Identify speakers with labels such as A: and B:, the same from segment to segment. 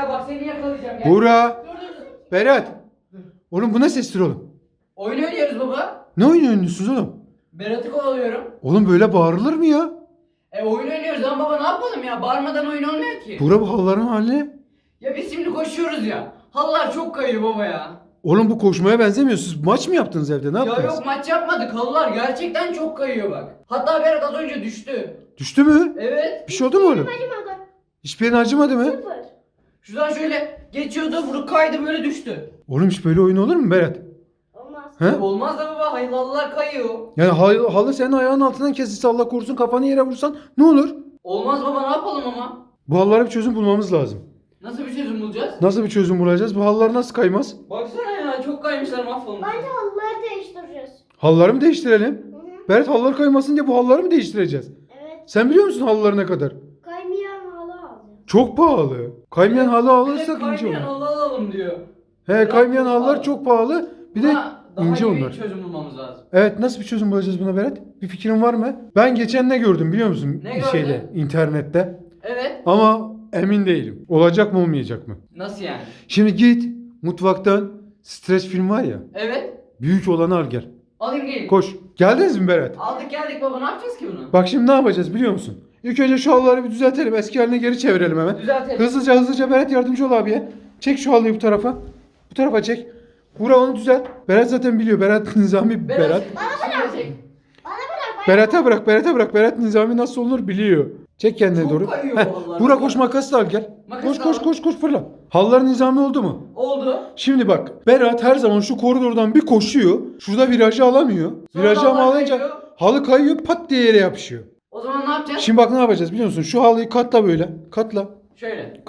A: ya, bak seni yakalayacağım. Gel.
B: Buğra.
A: Dur.
B: Berat. Oğlum bu ne sestir oğlum?
A: Oyun oynuyoruz baba.
B: Ne oyun oynuyorsunuz oğlum?
A: Berat'ı kovalıyorum.
B: Oğlum böyle bağırılır mı ya?
A: Oyun oynuyoruz ama baba ne yapalım ya? Bağırmadan oyun olmuyor ki.
B: Buğra bu halıların hali.
A: Ya biz şimdi koşuyoruz ya. Halılar çok kayıyor baba ya.
B: Oğlum bu koşmaya benzemiyor. Siz maç mı yaptınız evde? Ne
A: Ya
B: yaptınız?
A: yok, maç yapmadık. Halılar gerçekten çok kayıyor bak. Hatta Berat az önce düştü.
B: Düştü mü?
A: Evet.
B: Bir şey oldu mu oğlum?
C: Acımadı.
B: Hiçbir yerin acımadı mı?
C: Sıfır.
A: Şuradan şöyle geçiyordu, bunu kaydı, böyle düştü.
B: Oğlum hiç böyle oyun olur mu Berat?
C: Olmaz.
B: He?
A: Olmaz da baba, hayır, halılar kayıyor.
B: Yani halı senin ayağının altından kesilse, Allah korusun, kafanı yere vursan ne olur?
A: Olmaz baba, ne yapalım ama?
B: Bu halılara bir çözüm bulmamız lazım.
A: Nasıl bir çözüm bulacağız?
B: Nasıl bir çözüm bulacağız? Bu halılar nasıl kaymaz?
A: Baksana ya, çok kaymışlar, mahvolmuş.
C: Bence halıları değiştireceğiz.
B: Halıları mı değiştirelim?
C: Hı.
B: Berat, halılar kaymasın diye bu halıları mı değiştireceğiz?
C: Evet.
B: Sen biliyor musun halıları ne kadar?
C: Kaymayan halı aldı.
B: Çok pahalı. Kaymayan halı
A: Bir de
B: alırsak ince
A: kaymayan
B: olur.
A: halı alalım diyor.
B: He, kaymayan halılar
A: pahalı.
B: çok pahalı. Bir de
A: Buna daha
B: ince
A: iyi bir
B: onlar.
A: çözüm bulmamız lazım.
B: Evet, nasıl bir çözüm bulacağız buna Berat? Bir fikrin var mı? Ben geçen ne gördüm biliyor musun?
A: Ne gördün?
B: Şeyde, internette.
A: Evet.
B: Ama emin değilim. Olacak mı olmayacak mı?
A: Nasıl yani?
B: Şimdi git mutfaktan, streç film var ya.
A: Evet.
B: Büyük olanı al gel.
A: Alayım gelin.
B: Koş. Geldiniz mi Berat?
A: Aldık geldik baba, ne yapacağız ki bunu?
B: Bak şimdi ne yapacağız biliyor musun? İlk önce şu halıları bir düzeltelim. Eski haline geri çevirelim hemen.
A: Düzeltelim.
B: Hızlıca Berat, yardımcı ol abiye. Çek şu halıyı bu tarafa. Bu tarafa çek. Buğra onu düzelt. Berat zaten biliyor. Berat Nizami Berat.
A: Şuraya çek.
C: Bana bırak.
B: Berat'a bırak. Berat Nizami nasıl olunur biliyor. Çek kendine
A: Çok
B: doğru.
A: kayıyor
B: Heh,
A: vallahi.
B: Buğra koş, makas da al gel.
A: Makas
B: Koş
A: da al.
B: fırla. Halılar nizami oldu mu?
A: Oldu.
B: Şimdi bak, Berat her zaman şu koridordan bir koşuyor. Şurada virajı alamıyor.
A: Sonra
B: Virajı
A: halılar
B: alınca
A: kayıyor.
B: halı kayıyor, pat diye yere yapışıyor.
A: O zaman ne yapacağız?
B: Şimdi bak ne yapacağız biliyor musun? Şu halıyı katla böyle. Katla.
A: Şöyle.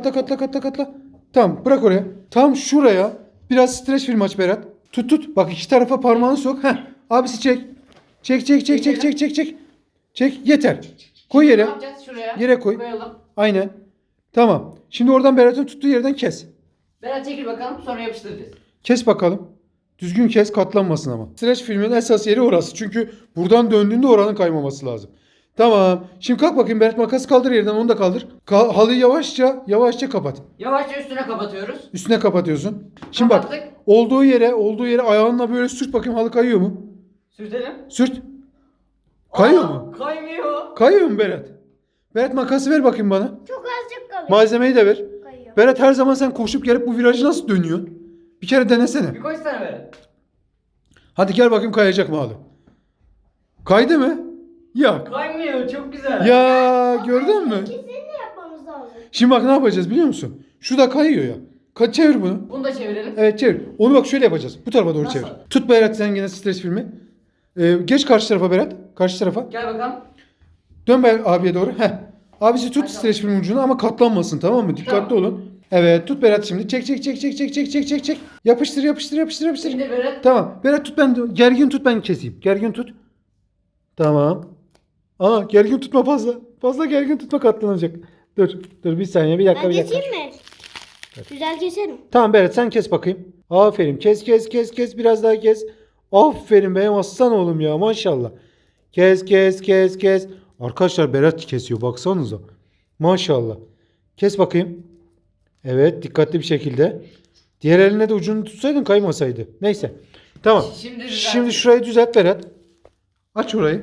B: Katla. Tamam, bırak oraya. Tam şuraya biraz streç film aç Berat. Tut. Bak, iki tarafa parmağını sok. Heh. Abisi çek. Çek. Yeter. Koy
A: Ne
B: yere.
A: yapacağız? Şuraya.
B: Yere koy.
A: Koyalım.
B: Aynen. Tamam. Şimdi oradan Berat'ın tuttuğu yerden kes.
A: Berat çekil bakalım, sonra yapıştıracağız.
B: Kes bakalım. Düzgün kes, katlanmasın ama. Streç filmin esas yeri orası. Çünkü buradan döndüğünde oranın kaymaması lazım. Tamam. Şimdi kalk bakayım Berat, makası kaldır yerden, onu da kaldır. Halıyı yavaşça kapat.
A: Yavaşça üstüne kapatıyoruz.
B: Üstüne kapatıyorsun. Şimdi bak,
A: Kapattık.
B: olduğu yere ayağınla böyle sürt bakayım, halı kayıyor mu?
A: Sürtelim.
B: Sürt. Kayıyor
A: Aa,
B: mu?
A: Kaymıyor.
B: Kayıyor mu Berat? Berat, makası ver bakayım bana.
C: Çok azıcık kalıyor.
B: Malzemeyi de ver.
C: Kayıyor.
B: Berat, her zaman sen koşup gelip bu virajı nasıl dönüyorsun? Bir kere denesene.
A: Bir koysana Berat.
B: Hadi gel bakayım, kayacak mı halı? Kaydı mı? Yok.
A: Kaymıyor, çok güzel.
B: Ya gördün mü?
C: İkisini de yapmamız lazım.
B: Şimdi bak ne yapacağız biliyor musun? Şu da kayıyor ya. Çevir bunu.
A: Bunu da çevirelim.
B: Evet, çevir. Onu bak şöyle yapacağız. Bu tarafa doğru
A: Nasıl?
B: çevir. Tut Berat, sen yine streç filmi. Geç karşı tarafa Berat. Karşı tarafa.
A: Gel bakalım.
B: Dön abiye doğru. Heh. Abisi tut
A: Hadi
B: streç film ucunu ama katlanmasın, tamam mı? Dikkatli
A: Tamam.
B: olun. Evet, tut Berat şimdi. Çek. Yapıştır.
A: Şimdi Berat.
B: Tamam. Berat tut, gergin tut, ben keseyim. Gergin tut. Tamam. Gergin tutma fazla. Fazla gergin tutma, katlanacak. Dur bir saniye, bir dakika.
C: Ben
B: Bir dakika.
C: keseyim mi? Güzel keserim.
B: Tamam Berat, sen kes bakayım. Aferin. Kes. Biraz daha kes. Aferin benim aslan oğlum ya, maşallah. Kes. Arkadaşlar Berat kesiyor, baksanıza. Maşallah. Kes bakayım. Evet, dikkatli bir şekilde. Diğer eline de ucunu tutsaydın kaymasaydı. Neyse. Tamam. Şimdi şurayı düzelt Berat. Aç orayı.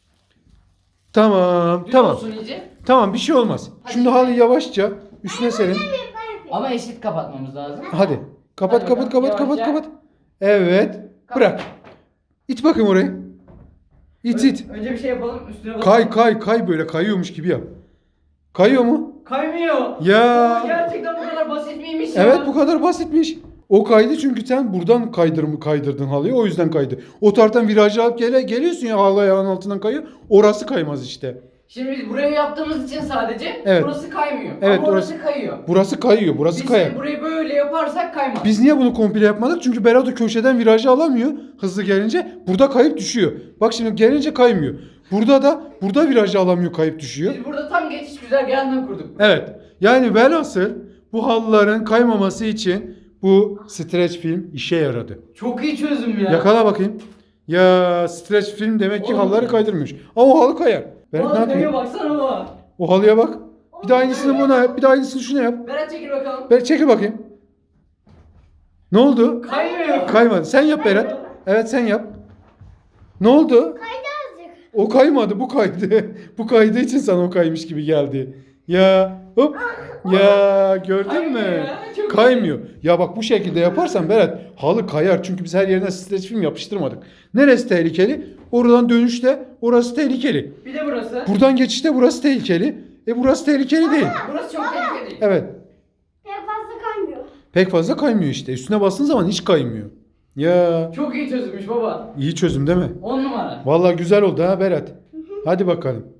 B: Tamam.
A: Düz
B: Tamam.
A: olsun iyice.
B: Tamam, bir şey olmaz.
A: Hadi.
B: Şimdi halıyı yavaşça üstüne serin.
A: Ama eşit kapatmamız lazım.
B: Hadi. Kapat.
A: Hadi bakalım, yavaşça.
B: Evet. Bırak. İt bakayım orayı. İt.
A: Önce bir şey yapalım, üstüne bakalım.
B: Kay böyle, kayıyormuş gibi yap. Kayıyor mu?
A: Kaymıyor.
B: Ya.
A: Baba, gerçekten bu kadar basit miymiş ya?
B: Evet, bu kadar basitmiş. O kaydı çünkü sen buradan kaydırdın halıyı, o yüzden kaydı. O taraftan virajı alıp geliyorsun ya, halı ayağın altından kayıyor. Orası kaymaz işte.
A: Şimdi biz burayı yaptığımız için sadece
B: Evet.
A: burası kaymıyor.
B: Evet,
A: Ama orası kayıyor.
B: Burası kayıyor, burası
A: Biz
B: kayar.
A: burayı böyle yaparsak kaymaz.
B: Biz niye bunu komple yapmadık? Çünkü Berat o köşeden virajı alamıyor hızlı gelince. Burada kayıp düşüyor. Bak şimdi gelince kaymıyor. Burada virajı alamıyor, kayıp düşüyor.
A: Biz burada tam geçiş güzergahından kurduk.
B: Evet. Yani velhasıl bu halıların kaymaması için bu streç film işe yaradı.
A: Çok iyi çözüm ya.
B: Yakala bakayım. Ya streç film demek ki
A: Oğlum.
B: halıları kaydırmış. Ama o halı kayar. Berat ne
A: Vallahi
B: yapıyor?
A: baksana baba.
B: O halıya bak.
C: O
B: Bir de aynısını buna yap. Bir de aynısını şuna yap.
A: Berat çekil bakalım.
B: Berat çekil bakayım. Ne oldu?
A: Kaymıyor.
B: Kaymadı. Sen yap Berat. Evet sen yap. Ne oldu?
C: Kaydı azıcık.
B: O kaymadı, bu kaydı. Bu kaydığı için sana o kaymış gibi geldi. Ya hop. Ya gördün
A: Kaymıyor
B: mü?
A: ya, çok
B: Kaymıyor. Ya bak bu şekilde yaparsan Berat halı kayar. Çünkü biz her yerine streç film yapıştırmadık. Neresi tehlikeli? Oradan dönüşte orası tehlikeli.
A: Bir de burası.
B: Buradan geçişte burası tehlikeli. Burası tehlikeli değil.
A: Burası çok tehlikeli.
B: Evet.
C: Pek fazla kaymıyor.
B: Pek fazla kaymıyor işte. Üstüne bastığın zaman hiç kaymıyor. Ya
A: Çok iyi çözülmüş baba.
B: iyi çözüm değil mi?
A: 10 numara.
B: Vallahi güzel oldu ha Berat. Hadi bakalım.